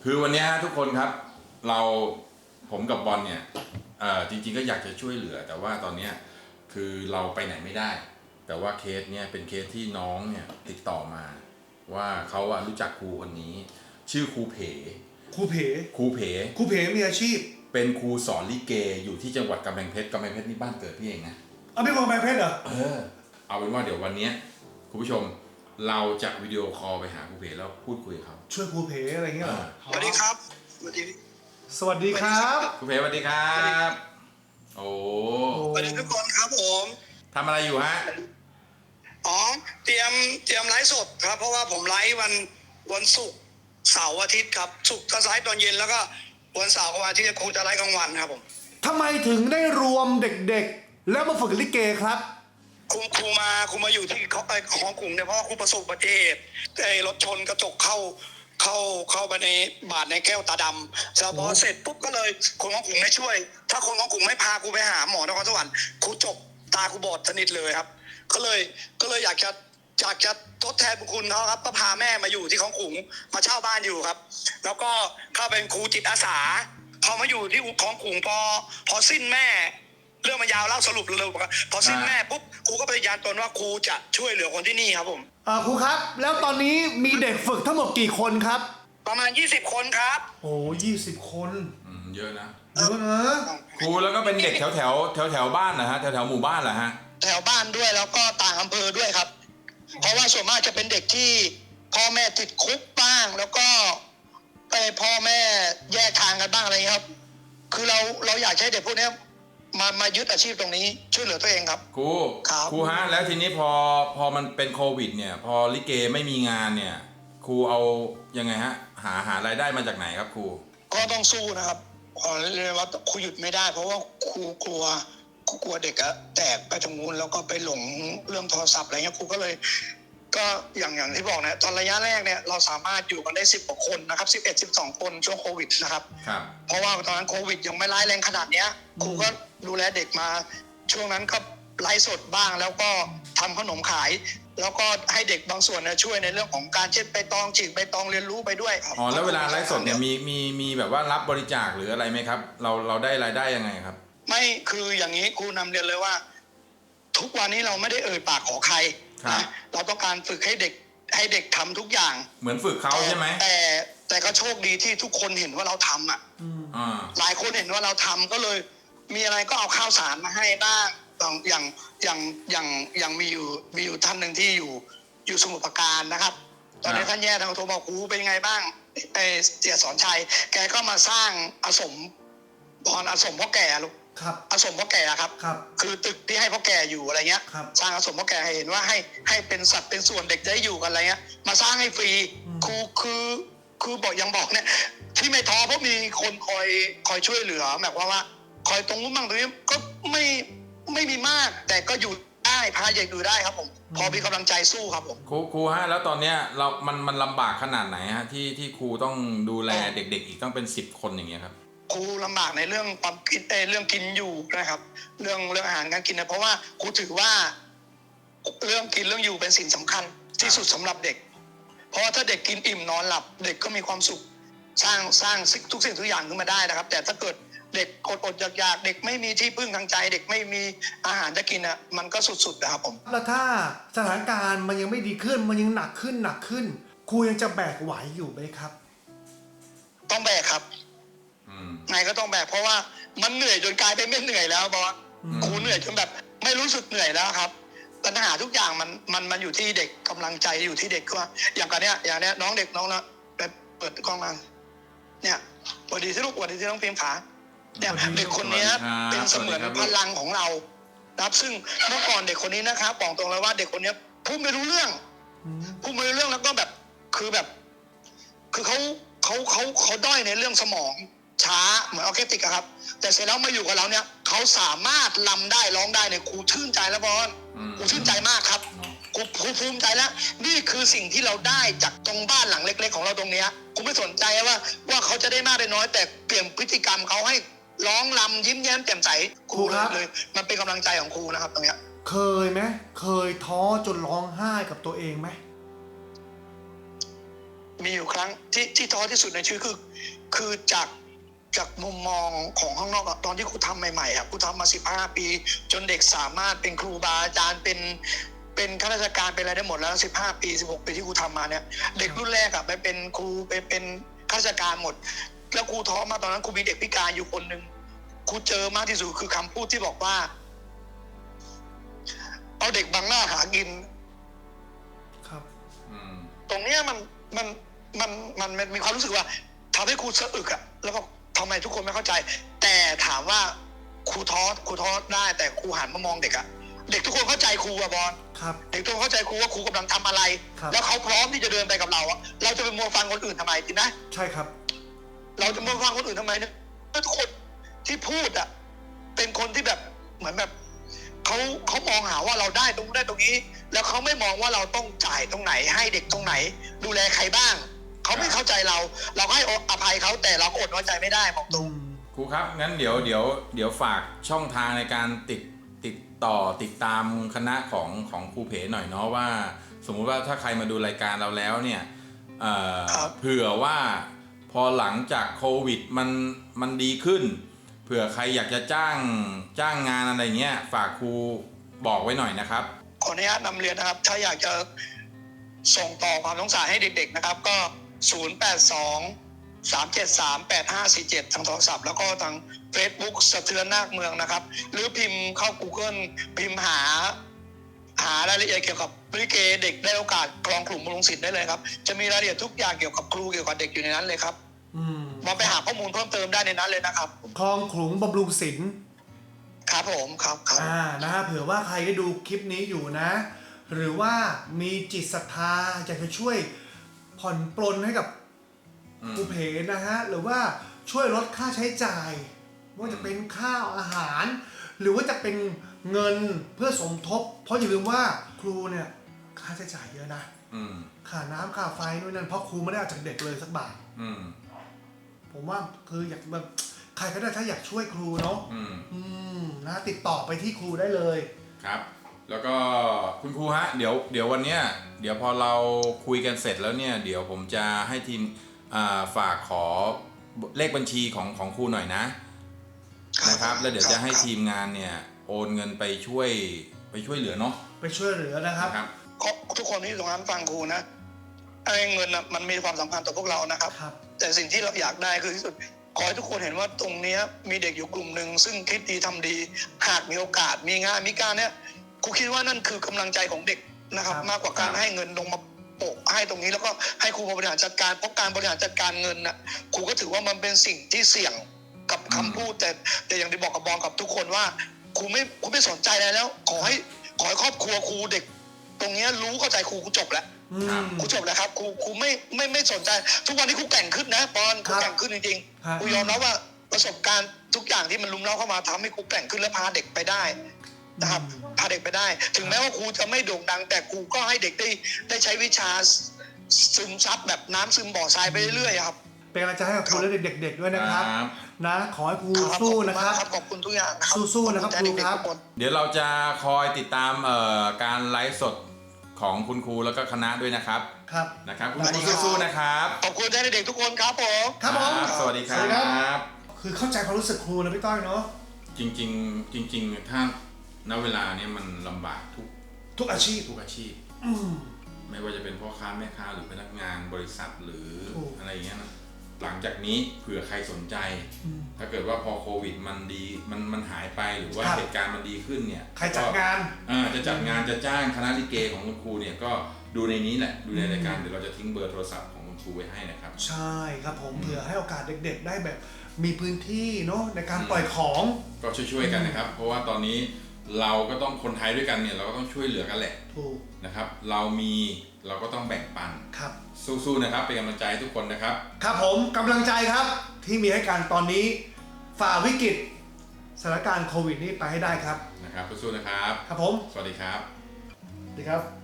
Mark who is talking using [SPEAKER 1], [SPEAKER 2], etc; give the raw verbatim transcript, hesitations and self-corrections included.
[SPEAKER 1] คือวันนี้ทุกคนครับเราผมกับบอลเนี่ยเอ่อจริงๆก็อยากจะช่วยเหลือแต่ว่าตอนนี้คือเราไปไหนไม่ได้แต่ว่าเคสเนี่ยเป็นเคสที่น้องเนี่ยติดต่อมาว่าเขาอะรู้จักครูคนนี้ชื่อครูเผ๋
[SPEAKER 2] ครูเผ๋
[SPEAKER 1] ครูเผ๋
[SPEAKER 2] ครูเผ๋มีอาชีพ
[SPEAKER 1] เป็นครูสอนลิเกอยู่ที่จังหวัดกำแพงเพชรกำแพงเพชรนี่บ้านเกิดพี่เองนะ
[SPEAKER 2] เอาเป็นคนกำแพงเพชรเหรอ
[SPEAKER 1] เออเอาเป็นว่าเดี๋ยววันนี้คุณผู้ชมเราจะวิดีโอคอลไปหาครูเผ๋แล้วพูดคุยกับเขา
[SPEAKER 2] ช่วยครูเผ๋อะไรเงี้ยเหรอ
[SPEAKER 3] สวัสดีครับสวัสดี
[SPEAKER 2] สวัสดีครับ
[SPEAKER 1] ครูเผ๋สวัสดีครับโอ้
[SPEAKER 3] สวัสดีทุกคนครับผม
[SPEAKER 1] ทำอะไรอยู่ฮะ
[SPEAKER 3] อ๋อเตรียมเตรียมไลฟ์สดครับเพราะว่าผมไลฟ์วันวันศุกร์เสาร์อาทิตย์ครับศุกร์ก็ไลฟ์ตอนเย็นแล้วก็วันเสาร์กับวันอาทิตย์ครูจะไลฟ์กลางวันครับผม
[SPEAKER 2] ทำไมถึงได้รวมเด็กๆแล้วมาฝึกลิเกครับ
[SPEAKER 3] ครูครูมาครูมาอยู่ที่เขาไอ้ของกลุ่มเนี่ยเพราะว่าครูประสบอุบัติเหตุไอ้รถชนกระจกเข้าเข้าเข้าไปในบาดในแก้วตาดำแล้วพอเสร็จปุ๊บก็เลยคนของกลุ่มไม่ช่วย ถ้าคนของกลุ่มไม่พาครูไปหาหมอนครสวรรค์ครูจบตาครูบอดสนิทเลยครับก็เลยก็เลยอยากจะอยากจะทดแทนบุญคุณเขาครับก็พาแม่มาอยู่ที่ของขุงมาเช่าบ้านอยู่ครับแล้วก็เข้าเป็นครูจิตอาสาพอมาอยู่ที่ของขุงพอพอสิ้นแม่เรื่องมันยาวเล่าสรุปเร็วๆพอสิ้นแม่ปุ๊บครูก็ปฏิญาณตนว่าครูจะช่วยเหลือคนที่นี่ครับผม
[SPEAKER 2] เออครูครับแล้วตอนนี้มีเด็กฝึกทั้งหมดกี่คนครับ
[SPEAKER 3] ประมาณยี่สิบคนครับ
[SPEAKER 2] โอ้ยี่สิบคน
[SPEAKER 1] อืมเยอะนะ
[SPEAKER 2] เยอะนะ
[SPEAKER 1] ครูแล้วก็เป็นเด็กแถวแถวแถวแถวบ้านนะฮะแถวแถวหมู่บ้านเหรอฮะ
[SPEAKER 3] แถวบ้านด้วยแล้วก็ต่างอำเภอด้วยครับเพราะว่าส่วนมากจะเป็นเด็กที่พ่อแม่ติดคุกบ้างแล้วก็ไปพ่อแม่แยกทางกันบ้างอะไรเงี้ยครับคือเราเราอยากให้เด็กพวกนี้มามายึดอาชีพตรงนี้ช่วยเหลือตัวเองครับ
[SPEAKER 1] ครูครูฮะแล้วทีนี้พอพอมันเป็นโควิดเนี่ยพอลิเกไม่มีงานเนี่ยครูเอายังไงฮะหาหารายได้มาจากไหนครับครู
[SPEAKER 3] ก็ต้องสู้นะครับขอเรียกว่าครูหยุดไม่ได้เพราะว่าครูกลัวกลัวเด็กอะแตกไปทางนู้นแล้วก็ไปหลงเรื่องโทรศัพท์อะไรเงี้ยครูก็เลยก็อย่างอย่างที่บอกนะตอนระยะแรกเนี่ยเราสามารถอยู่กันได้สิบกว่าคนนะครับสิบเอ็ด สิบสองคนช่วงโควิดนะครับ
[SPEAKER 1] ครับ
[SPEAKER 3] เพราะว่าตอนนั้นโควิดยังไม่ร้ายแรงขนาดเนี้ยครูก็ดูแลเด็กมาช่วงนั้นก็ไลฟ์สดบ้างแล้วก็ทำขนมขายแล้วก็ให้เด็กบางส่วนเนี่ยช่วยในเรื่องของการเช็ดใบตองฉีกใบตองเรียนรู้ไปด้วย
[SPEAKER 1] อ๋อแล้วเวลาไลฟ์สดเนี่ยมีมีมีแบบว่ารับบริจาคหรืออะไรไหมครับเราเราได้รายได้ยังไงครับ
[SPEAKER 3] ไม่คืออย่างนี้ครูนำเรียนเลยว่าทุกวันนี้เราไม่ได้เอ่ยปากขอใครนะเราต้องการฝึกให้เด็กให้เด็กทำทุกอย่าง
[SPEAKER 1] เหมือนฝึกเขาใช่ไหม
[SPEAKER 3] แต่แต่ก็โชคดีที่ทุกคนเห็นว่าเราทำอ่ะหลายคนเห็นว่าเราทำก็เลยมีอะไรก็เอาข้าวสารมาให้บ้างอย่างอย่างอย่างอย่างมีอยู่มีอยู่ท่านหนึ่งที่อยู่อยู่สมุทรปราการนะครับตอนนี้ท่านแย่ทางโทรบอกครูเป็นไงบ้างไอเสียสอนชัยแกก็มาสร้างอาสมบอนอาสมพ่อแก่ลูก
[SPEAKER 2] ครับ
[SPEAKER 3] อาสมพ่อแก่ครับ
[SPEAKER 2] ครับ
[SPEAKER 3] คือตึกที่ให้พ่อแก่อยู่อะไรเงี้ยสร้างอาสมพ่อแก่ให้เห็นว่าให้ให้เป็นสัตว์เป็นส่วนเด็กได้อยู่กันอะไรเงี้ยมาสร้างให้ฟรีครูคือคือบอกยังบอกเนี่ยที่ไม่ท้อเพราะมีคนคอยคอยช่วยเหลือแบบว่าว่าคอยตรงนู้นบ้างตรงนี้ก็ไม่ไม่มีมากแต่ก็อยู่ได้พาเด็กอยู่ได้ครับผมพอมีกำลังใจสู้ครับผม
[SPEAKER 1] ครูครูฮะแล้วตอนเนี้ยเรา มันมันลำบากขนาดไหนฮะที่ที่ครูต้องดูแลเด็กๆอีกต้องเป็นสิบคนอย่างเงี้ยครับ
[SPEAKER 3] ครูลำบากในเรื่องความคิดเรื่องกินอยู่นะครับเรื่องเรื่องอาหารการกินนะเพราะว่าครูถือว่าเรื่องกินเรื่องอยู่เป็นสิ่งสำคัญที่สุดสำหรับเด็กเพราะว่าถ้าเด็กกินอิ่มนอนหลับเด็กก็มีความสุขสร้างสร้างทุกสิ่งทุกอย่างขึ้นมาได้นะครับแต่ถ้าเกิดเด็กอดอดอยากอยากเด็กไม่มีที่พึ่งทางใจเด็กไม่มีอาหารจะกินอ่ะมันก็สุดๆนะครับผม
[SPEAKER 2] แล้วถ้าสถานการณ์มันยังไม่ดีขึ้นมันยังหนักขึ้นหนักขึ้นครูยังจะแบกไหวอยู่ไหมครับ
[SPEAKER 3] ต้องแบกครับไงก็ต้องแบกเพราะว่ามันเหนื่อยจนกลายเป็นไม่เหนื่อยแล้วบอสครูเหนื่อยจนแบบไม่รู้สึกเหนื่อยแล้วครับปัญหาทุกอย่างมันมันมันอยู่ที่เด็กกำลังใจอยู่ที่เด็กว่าอย่างกันเนี้ยอย่างเนี้ยน้องเด็กน้องนะแบบเปิดกล้องมาเนี่ยสวัสดีที่ลูกสวัสดีที่น้องพิมพ์ขาเนี่ยเด็กคนนี้เป็นเสมือนพลังของเรานะครับซึ่งเมื่อก่อนเด็กคนนี้นะครับบอกตรงเลยว่าเด็กคนนี้พูดไม่รู้เรื่องพูดไม่รู้เรื่องแล้วก็แบบคือแบบคือเขาเขาเขาเขาด้อยในเรื่องสมองช้าเหมือนออร์เคสตราครับแต่เสร็จแล้วมาอยู่กับเราเนี่ยเขาสามารถรำได้ร้องได้เนี่ยครูชื่นใจแล้วบอลครูชื่นใจมากครับครูครูภูมิใจแล้วนี่คือสิ่งที่เราได้จากตรงบ้านหลังเล็กๆของเราตรงนี้ครูไม่สนใจว่าว่าเขาจะได้มากได้น้อยแต่เปลี่ยนพฤติกรรมเขาให้ร้องรำยิ้มแย้มแจ่มใสครูเลยมันเป็นกำลังใจของครูนะครับตรงนี้
[SPEAKER 2] เคยไหมเคยท้อจนร้องไห้กับตัวเองไหม
[SPEAKER 3] มีอยู่ครั้งที่ที่ท้อที่สุดในชีวิตคือคือจากจากมุมมองของข้างนอกอะตอนที่ครูทำใหม่ๆอะครูทำมาสิบห้าปีจนเด็กสามารถเป็นครูบาอาจารย์เป็นเป็นข้าราชการเป็นอะไรได้หมดแล้วสิบห้าปีสิบหกปีที่ครูทำมาเนี่ยเด็กรุ่นแรกอะไปเป็นครูไปเป็นข้าราชการหมดแล้วครูท้อมาตอนนั้นครูมีเด็กพิการอยู่คนหนึ่งครูเจอมากที่สุดคือคำพูดที่บอกว่าเอาเด็กบังหน้าหากิน
[SPEAKER 2] ครับ
[SPEAKER 1] อืม
[SPEAKER 3] ตรงเนี้ยมันมันมันมันมันมีความรู้สึกว่าทำให้ครูสะอึกอะแล้วก็ทำไมทุกคนไม่เข้าใจ แต่ถามว่าครูท้อครูท้อได้แต่ครูหันมามองเด็กอะเด็กทุกคนเข้าใจครูอะบอล
[SPEAKER 2] ครับ
[SPEAKER 3] เด็กทุกคนเข้าใจครูว่าครูกำลังทำอะไร
[SPEAKER 2] ครับ
[SPEAKER 3] แล้วเขาพร้อมที่จะเดินไปกับเราอะเราจะไปมัวฟังคนอื่นทำไมจริงนะ
[SPEAKER 2] ใช่ครับ
[SPEAKER 3] เราจะมาฟังคนอื่นทำไมเนี่ยทุกคนที่พูดอ่ะเป็นคนที่แบบเหมือนแบบเขาเขามองหาว่าเราได้ตรงได้ตรงนี้ แล้วเขาไม่มองว่าเราต้องจ่ายตรงไหน ให้เด็กตรงไหน ดูแลใครบ้างเขาไม่เข้าใจเรา เราก็ให้อภัยเขาแต่เราก็อดน้อยใจไม่ได้บอกตรง
[SPEAKER 1] ครูครับงั้นเดี๋ยวเดี๋ยวเดี๋ยวฝากช่องทางในการติดติดต่อติดตามคณะของของครูเพหน่อยเนาะว่า สมมุติว่าถ้าใครมาดูรายการเราแล้วเนี่ยเอ่อ
[SPEAKER 3] ครับ
[SPEAKER 1] เผื่อว่าพอหลังจากโควิดมันมันดีขึ้น เผื่อใครอยากจะจ้างจ้างงานอะไรเงี้ยฝากครูบอกไว้หน่อยนะครับ
[SPEAKER 3] ขออนุญาตนำเรียนนะครับ ถ้าอยากจะส่งต่อความสงสารให้เด็กๆนะครับ ก็ ศูนย์ แปด สอง สาม เจ็ด สาม แปด ห้า สี่ เจ็ด ทางโทรศัพท์แล้วก็ทาง Facebook สะเทือนนาคเมืองนะครับ หรือพิมพ์เข้า Google พิมพ์หา หารายละเอียดเกี่ยวกับลิเกเด็กได้โอกาสกลองกลุ่มบำรุงศิลป์ได้เลยครับ จะมีรายละเอียดทุกอย่างเกี่ยวกับครูเกี่ยวกับเด็กอยู่ในนั้นเลยครับ
[SPEAKER 2] อืม
[SPEAKER 3] มาไปหาข้อมูลเพิ่มเติมได้ในนั้นเลยนะครับ
[SPEAKER 2] คลองขลุงบำรุงศิลป์
[SPEAKER 3] ครับผมครับครับ
[SPEAKER 2] อ่านะฮะเผื่อว่าใครได้ดูคลิปนี้อยู่นะ หรือว่ามีจิตศรัทธาอยากจะช่วยผ่อนปลนให้กับ
[SPEAKER 1] อืม
[SPEAKER 2] ครูเพนะฮะหรือว่าช่วยลดค่าใช้จ่ายไม่ว่าจะเป็นข้าวอาหาร หรือว่าจะเป็นเงินเพื่อสมทบ เพราะอย่าลืมว่าครูเนี่ยค่าใช้จ่ายเยอะนะ
[SPEAKER 1] อืม
[SPEAKER 2] ค่าน้ำค่าไฟนู่นนั่นเพราะครูไม่ได้เอาจากเด็กเลยสักบาท
[SPEAKER 1] อืม
[SPEAKER 2] ผมว่าคืออยากแบบใครก็ได้ถ้าอยากช่วยครูเนาะ
[SPEAKER 1] อืม
[SPEAKER 2] อืมนะติดต่อไปที่ครูได้เลย
[SPEAKER 1] ครับ แล้วก็คุณครูฮะเดี๋ยวเดี๋ยววันเนี้ยเดี๋ยวพอเราคุยกันเสร็จแล้วเนี่ยเดี๋ยวผมจะให้ทีมอ่าฝากขอเลขบัญชีของของครูหน่อยนะนะครับแล้วเดี๋ยวจะให้ทีมงานเนี่ยโอนเงินไปช่วยไปช่วยเหลือเนาะ
[SPEAKER 2] ไปช่วยเหลือนะครับ
[SPEAKER 1] นะครับ
[SPEAKER 3] ก็ทุกคนที่อยู่ตรงนั้นฟังครูนะไอ้เงินนะมันมีความสำคัญต่อพวกเรานะครับ
[SPEAKER 2] ครับ
[SPEAKER 3] แต่สิ่งที่เราอยากได้คือที่สุดขอให้ทุกคนเห็นว่าตรงเนี้ยมีเด็กอยู่กลุ่มหนึ่งซึ่งคิดดีทำดี หากมีโอกาสมีงานมีการเนี้ยครูคิดว่านั่นคือกำลังใจของเด็กนะครับ
[SPEAKER 2] ครับ
[SPEAKER 3] มากกว่าการให้เงินลงมาโปะให้ตรงนี้แล้วก็ให้ครูมาบริหารจัดการเพราะการบริหารจัดการเงินน่ะครูก็ถือว่ามันเป็นสิ่งที่เสี่ยงกับคำพูดแต่แต่อย่างที่บอกกับบอลกับทุกคนว่าครูไม่ครูไม่สนใจอะไรแล้ว ขอให้ขอให้ครอบครัวครูเด็ก ตรงเนี้ยรู้เข้าใจครูครูจบแล้ว
[SPEAKER 2] อืม
[SPEAKER 3] ครูจบแล้วครับครูครูไม่ไม่ไม่สนใจ ทุกวันนี้ครูแกร่งขึ้นนะบอลครูแกร่งขึ้นจริง
[SPEAKER 2] ครับ
[SPEAKER 3] ๆครูยอมรับว่าประสบการณ์ทุกอย่างที่มันลุมเล้าเข้ามาทำให้ครูแกร่งขึ้นและพาเด็กไปได้นะครับพาเด็กไปได้ ถึงแม้ว่าครูจะไม่โด่งดัง แต่ครูก็ให้เด็กได้ได้ใช้วิชาซึมซับแบบน้ำซึมบ่อทรายไปเรื่อยๆครับ
[SPEAKER 2] เป็นกำลังใจให้กับครูและเด็กๆด้วยนะครับ
[SPEAKER 1] ครับ
[SPEAKER 2] นะขอให้ครู
[SPEAKER 3] ครับ
[SPEAKER 2] สู้
[SPEAKER 3] ขอบณ
[SPEAKER 2] นะค
[SPEAKER 3] มา
[SPEAKER 2] รั
[SPEAKER 3] ก
[SPEAKER 2] บ
[SPEAKER 3] ครับขอบคุณทุกอย่างนะครับ
[SPEAKER 2] สู้ๆนะครับ
[SPEAKER 3] ขอณแทเด็กๆ
[SPEAKER 2] ครูครับ
[SPEAKER 3] ทุกน
[SPEAKER 1] เดี๋ยวเราจะคอยติดตามเอ่อการไลฟ์สดของคุณครูแล้วก็คณะด้วยนะครับ
[SPEAKER 2] ครับ
[SPEAKER 1] นะครับคุณครูสู้ๆนะครับ
[SPEAKER 3] ขอบคุณแทนเด็กๆทุกคนครับผม
[SPEAKER 2] ครับผม
[SPEAKER 1] สวัสดีค
[SPEAKER 2] สวัสดีครั
[SPEAKER 1] รับ
[SPEAKER 2] คือเข้าใจความรู้สึกครูนะพี่ต้อยเนาะ
[SPEAKER 1] จริงๆ จริง ๆ ถ้าณเวลาเนี้ยมันลำบากทุก
[SPEAKER 2] ทุกอาชีพ
[SPEAKER 1] ทุกอาชีพ
[SPEAKER 2] อืม
[SPEAKER 1] ไม่ว่าจะเป็นพ่อค้าแม่ค้าหรือพนักงานบริษัทหรือ
[SPEAKER 2] ถูก
[SPEAKER 1] อะไรอย่างเงี้ยนะหลังจากนี้เผื่อใครสนใจ
[SPEAKER 2] อืม
[SPEAKER 1] ถ้าเกิดว่าพอโควิดมันดีมันมันหายไปหรือว่า
[SPEAKER 2] ครับ
[SPEAKER 1] เหตุการณ์มันดีขึ้นเนี่ย
[SPEAKER 2] ใครจัดงาน
[SPEAKER 1] อ่าจะจัดงานจะจ้างคณะลิเกของคุณครูเนี่ยก็ดูในนี้แหละดูในรายการ
[SPEAKER 2] อืม
[SPEAKER 1] เดี๋ยวเราจะทิ้งเบอร์โทรศัพท์ของคุณครูไว้ให้นะครับ
[SPEAKER 2] ใช่ครับผมเผื่อให้โอกาสเด็กๆ ได้แบบมีพื้นที่เนาะในการ
[SPEAKER 1] อืม
[SPEAKER 2] ปล่อยของ
[SPEAKER 1] ก็ช่วยๆกันนะครับ เพราะว่าตอนนี้เราก็ต้องคนไทยด้วยกันเนี่ยเราก็ต้องช่วยเหลือกันแหละ
[SPEAKER 2] ถูก
[SPEAKER 1] นะครับ เรามีเราก็ต้องแบ่งปัน
[SPEAKER 2] ครับ
[SPEAKER 1] สู้ๆนะครับเป็นกำลังใจให้ทุกคนนะครับ
[SPEAKER 2] ครับผมกำลังใจครับที่มีให้กันตอนนี้ฝ่าวิกฤตสถานการณ์โควิดนี้ไปให้ได้ครับ
[SPEAKER 1] นะครับสู้ๆนะครับ
[SPEAKER 2] ครับผม
[SPEAKER 1] สวัสดีครับ
[SPEAKER 2] สวัสดีครับ